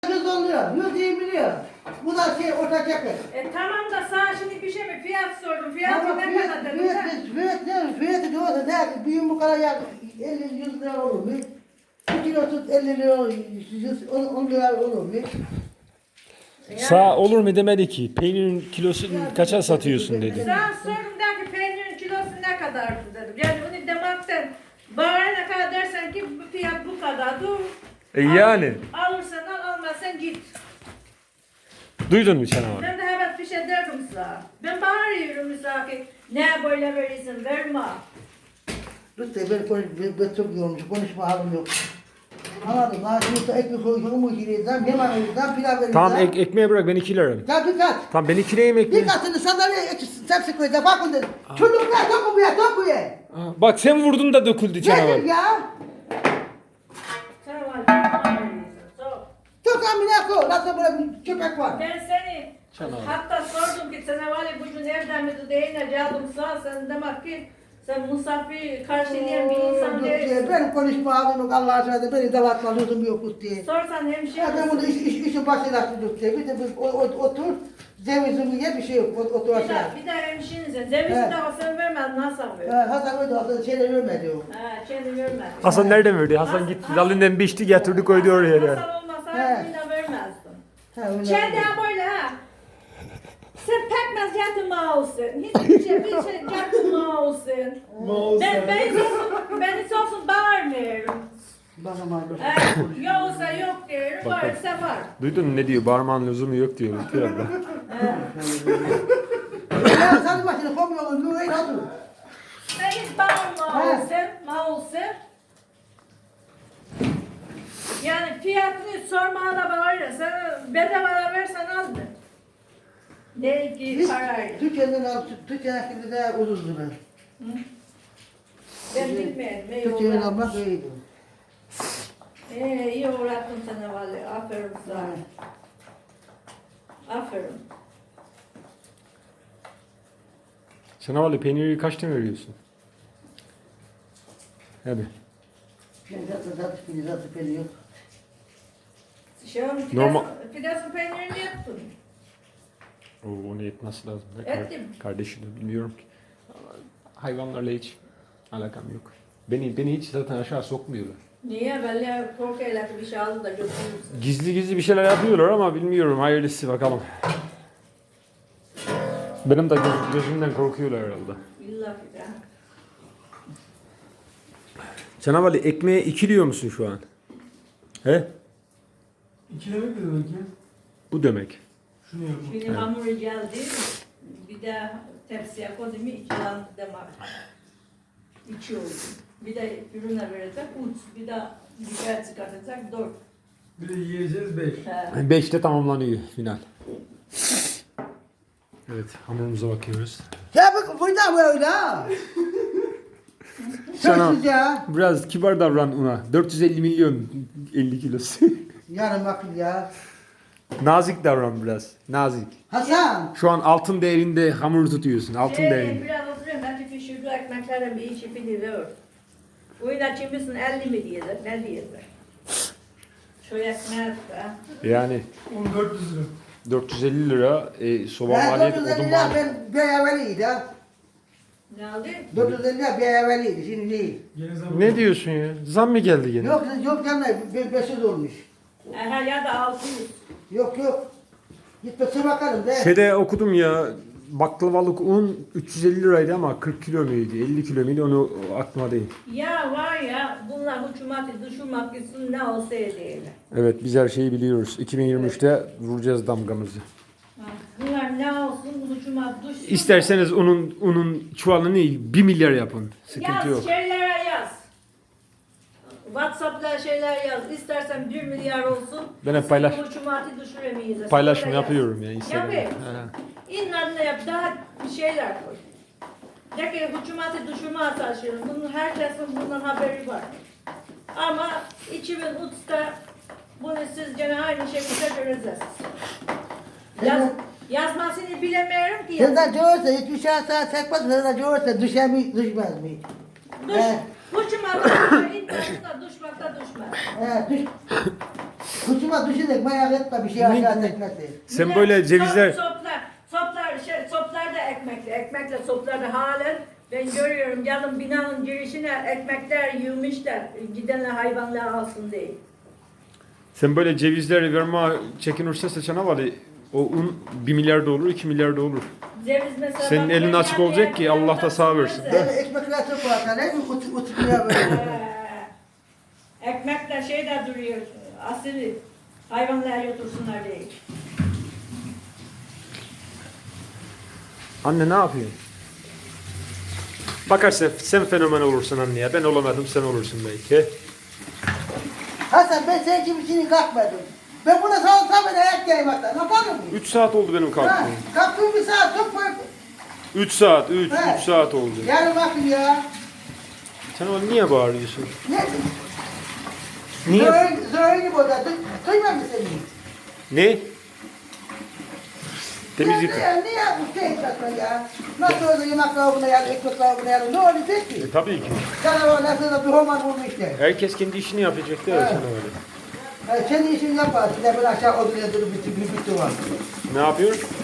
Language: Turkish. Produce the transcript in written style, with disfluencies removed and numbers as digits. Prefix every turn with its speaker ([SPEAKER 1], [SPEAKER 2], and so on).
[SPEAKER 1] Kız oluyor, yüzüğü biliyor. Bu da orta çakır.
[SPEAKER 2] Tamam da sana şimdi bir şey mi? Fiyat sordum. Fiyatı ne kadar dedim sen?
[SPEAKER 1] Fiyatı diyorsa ne? Bir yumurta ya 50-100 lira olur mu? 1 kilosu 50 lira olur, 10 lira olur mu?
[SPEAKER 3] Sağ olur mu demedi ki. Peynirin kilosunu kaça satıyorsun dedi.
[SPEAKER 2] Sana sordum der ki peynirin kilosu ne kadar dedim. Yani bunu demekten bana ne kadar dersen ki bu fiyat bu kadar. Dur.
[SPEAKER 3] Yani.
[SPEAKER 2] Alırsan al, almazsan git.
[SPEAKER 3] Duydun mu canavar?
[SPEAKER 2] Ben de hemen bir şey derdim sana. Ben bağırıyorum sana ki ne böyle verirsin verme.
[SPEAKER 1] Lütfen ben çok yorulmuş, konuşma halim yok. Anladım lan, şimdi ekmek koyuyorum, bu gireceğim, yemek vereceğim, pilav vereceğim.
[SPEAKER 3] Tamam ekmeğe bırak ben 2 lira.
[SPEAKER 1] Ya dikkat!
[SPEAKER 3] Tamam ben 2 lirayım ekmeği.
[SPEAKER 1] Dikkatini sandalyeye tepsi koyacağım, bakın dedim. Çocuklar topu ye.
[SPEAKER 3] Bak sen vurdun da döküldü canavar.
[SPEAKER 1] Nedir ya?
[SPEAKER 2] Sana var bağırıyorsun. Sor.
[SPEAKER 1] Çok amına koy, nasıl böyle bir köpek var?
[SPEAKER 2] Ben seni hatta sordum ki sana var ya bugün nereden mi değil geldim sana sen demek ki sen misafir karşılayan bir insan değilsin.
[SPEAKER 1] Benim konuşma halim yok, Allah'a söyledi, beni dalatma lüzum yok diye.
[SPEAKER 2] Sorsan hemşire
[SPEAKER 1] Ya ben bunu işin başına tutup diye, bir de otur, cevizimi ye bir şey yok, otur aşağı.
[SPEAKER 2] bir de hemşirinize cevizi de Hasan vermez nasıl ver?
[SPEAKER 1] Hasan öyle Hasan şeyler vermedi o.
[SPEAKER 2] Ha kendi vermez.
[SPEAKER 3] Hasan nereden verdi? Hasan gitti dalinden biçti getirdi koydu oraya.
[SPEAKER 2] Hasan olmasa yine vermezdim.
[SPEAKER 1] Ha, öyle
[SPEAKER 2] Kendi
[SPEAKER 1] verdi.
[SPEAKER 2] böyle ha. Sen pekmez yatırma olsun. Hiçbir şey yatırma olsun. Ben sonsuz bağırmıyorum.
[SPEAKER 1] Bakın abi.
[SPEAKER 2] Yoksa yok diyorum, varsa var.
[SPEAKER 3] Duydun mu ne diyor? Bağırmanın lüzumu yok diyor. Lütfü abla.
[SPEAKER 1] Ya sen başını koymuyorsun, bu öyle otur.
[SPEAKER 2] Sen hiç bağırma olsun. Yani fiyatını sormana da bağırır. Sen bedava versen azdır. Ne ki parayla.
[SPEAKER 1] Türkiye'den şimdi de ucuzdu ben.
[SPEAKER 2] Ben bilmiyorum. Ne
[SPEAKER 1] Türkiye'den
[SPEAKER 2] yollar.
[SPEAKER 1] almak iyiydi.
[SPEAKER 2] İyi uğrattın sana vallahi. Aferin sana. Aferin.
[SPEAKER 3] Canavarlı peyniri kaçtan veriyorsun? Hadi.
[SPEAKER 1] Ben zaten pili yok.
[SPEAKER 2] Şu an
[SPEAKER 3] Normal-
[SPEAKER 2] Fidesin peynirini yaptın.
[SPEAKER 3] Onu yetmesi lazım.
[SPEAKER 2] Ettim.
[SPEAKER 3] Kardeşim de bilmiyorum ki. Hayvanlarla hiç alakam yok. Beni hiç zaten aşağı sokmuyorlar.
[SPEAKER 2] Niye? Belli korkuyla bir şey aldı da götürürsün.
[SPEAKER 3] Gizli bir şeyler yapıyorlar ama bilmiyorum. Hayırlısı bakalım. Benim de gözümden korkuyorlar herhalde.
[SPEAKER 2] İlla ki de.
[SPEAKER 3] Canavarlı ekmeğe 2 diyor musun şu an? He?
[SPEAKER 4] İkilemek ne demek ya?
[SPEAKER 3] Bu demek.
[SPEAKER 4] Şunu yapma.
[SPEAKER 2] Şimdi hamuru geldi. Bir de tepsiye koydum. İçinden demek. İçi oldu. Bir de ürüne verecek. Uç. Bir de dışarı çıkartacak. 4.
[SPEAKER 4] Bir de yiyeceğiz 5.
[SPEAKER 3] 5'te tamamlanıyor final. Evet hamurumuza bakıyoruz.
[SPEAKER 1] Ya bak burada böyle ha.
[SPEAKER 3] Sana
[SPEAKER 1] Sözsüz ya.
[SPEAKER 3] biraz kibar davran ona. 450 milyon 50 kilosu.
[SPEAKER 1] Yarın bakın ya.
[SPEAKER 3] Nazik davran biraz. Nazik.
[SPEAKER 1] Hasan.
[SPEAKER 3] Şu an altın değerinde hamur tutuyorsun. Altın değerinde.
[SPEAKER 2] Biraz oturuyorum. Belki pişirdi ekmeklerin bir içi biliyor. Oyuna çimbisin 50 mi diyorlar? Ne diyorlar? Şu ekmeğe ha.
[SPEAKER 3] Yani
[SPEAKER 4] 1400 lira.
[SPEAKER 3] 450 lira soba
[SPEAKER 1] Ben
[SPEAKER 3] maliyeti
[SPEAKER 1] 450
[SPEAKER 3] odun
[SPEAKER 1] lira
[SPEAKER 3] maliyeti.
[SPEAKER 1] ben bir ay evveliydi ha.
[SPEAKER 2] Ne oldu?
[SPEAKER 1] 450 lira bir ay evveliydi şimdi değil.
[SPEAKER 4] Gene zam.
[SPEAKER 3] Ne diyorsun ya? Zam mı geldi gene?
[SPEAKER 1] Yok canım 500 olmuş.
[SPEAKER 2] Aha ya da 600.
[SPEAKER 1] Yok. Gitmese bakalım de.
[SPEAKER 3] Şeyde okudum ya baklavalık un 350 liraydı ama 40 kilo muydu 50 kilo muydu onu aklıma değil.
[SPEAKER 2] Ya var ya bunlar hükümeti düşürmek için ne olsa değil.
[SPEAKER 3] Evet biz her şeyi biliyoruz. 2023'te vuracağız damgamızı.
[SPEAKER 2] Bunlar ne olsun hükümet düşsün.
[SPEAKER 3] İsterseniz unun çuvalını 1 milyar yapın. Sıkıntı
[SPEAKER 2] yaz,
[SPEAKER 3] yok.
[SPEAKER 2] şeylere yaz. WhatsApp'ta şeyler yaz. İstersen 1 milyar olsun.
[SPEAKER 3] Ben hep paylaş-
[SPEAKER 2] seni hükümeti düşüremeyiz.
[SPEAKER 3] Paylaşım
[SPEAKER 2] Öyle yaz.
[SPEAKER 3] yapıyorum ya Instagram'da.
[SPEAKER 2] Yapayım.
[SPEAKER 3] He.
[SPEAKER 2] İnanla yap. Daha bir şeyler koy. De ki hükümeti düşürmeye çalışıyorum. Herkesin bundan haberi var. Ama 2003'te bunu siz gene aynı şekilde göreceğiz. Yazmasını bilemiyorum ki.
[SPEAKER 1] Sen de görürse hiçbir şey sağ çekmez. Sen de görürse düşer mi düşmez mi?
[SPEAKER 2] Hükümeti düşürmekte düşmez.
[SPEAKER 1] Düş. Hıçıma düşünerek merak etme bir şey aşağı tekmesi.
[SPEAKER 3] Sen böyle cevizler...
[SPEAKER 2] Soplar da ekmekle. Ekmekle soplar da halen. Ben görüyorum yanım binanın girişine ekmekler yığmışlar. Gidenler hayvanlar alsın diye.
[SPEAKER 3] Sen böyle cevizleri verme çekinirse seçene var ya, o un 1 milyar da olur, 2 milyar da olur.
[SPEAKER 2] Ceviz mesela...
[SPEAKER 3] Senin
[SPEAKER 2] bak,
[SPEAKER 3] elin açık olacak ki Allah da sağ versin.
[SPEAKER 1] Böyle ekmekler çok var. Ne mi uçmuyor böyle.
[SPEAKER 2] Ekmekle şey de duruyor. Asili. Hayvanlar götürsünler diye.
[SPEAKER 3] Anne ne yapıyorsun? Bakarsan sen fenomen olursun anne ya. Ben olamadım, sen olursun belki.
[SPEAKER 1] Hasan ben senin gibi şimdi kalkmadım. Ben buna sağ tabi ayak yaymaktan. Yapar mı?
[SPEAKER 3] 3 saat oldu benim
[SPEAKER 1] Ha,
[SPEAKER 3] kalktığım.
[SPEAKER 1] kalktığım bir saat çok fark.
[SPEAKER 3] 3 saat, 3
[SPEAKER 1] He.
[SPEAKER 3] saat oldu.
[SPEAKER 1] Yarın bakın ya.
[SPEAKER 3] Sen onu niye bağırıyorsun?
[SPEAKER 1] Ne?
[SPEAKER 3] Niye?
[SPEAKER 1] Zöğünü burada. Duymam mı seni?
[SPEAKER 3] Ne? Temizlik.
[SPEAKER 1] Niye bu şey etmekle ya? Nasıl oldu yemek buna yer, ekmek buna yer? Ne olacak ki?
[SPEAKER 3] Tabii ki.
[SPEAKER 1] Canavarlar sana bir homan bulmuş işte.
[SPEAKER 3] Herkes kendi işini yapacak da
[SPEAKER 1] Evet.
[SPEAKER 3] sana öyle.
[SPEAKER 1] Kendi işini yapar. Bir de ben aşağı odun yadırıp bir var.
[SPEAKER 3] Ne yapıyor?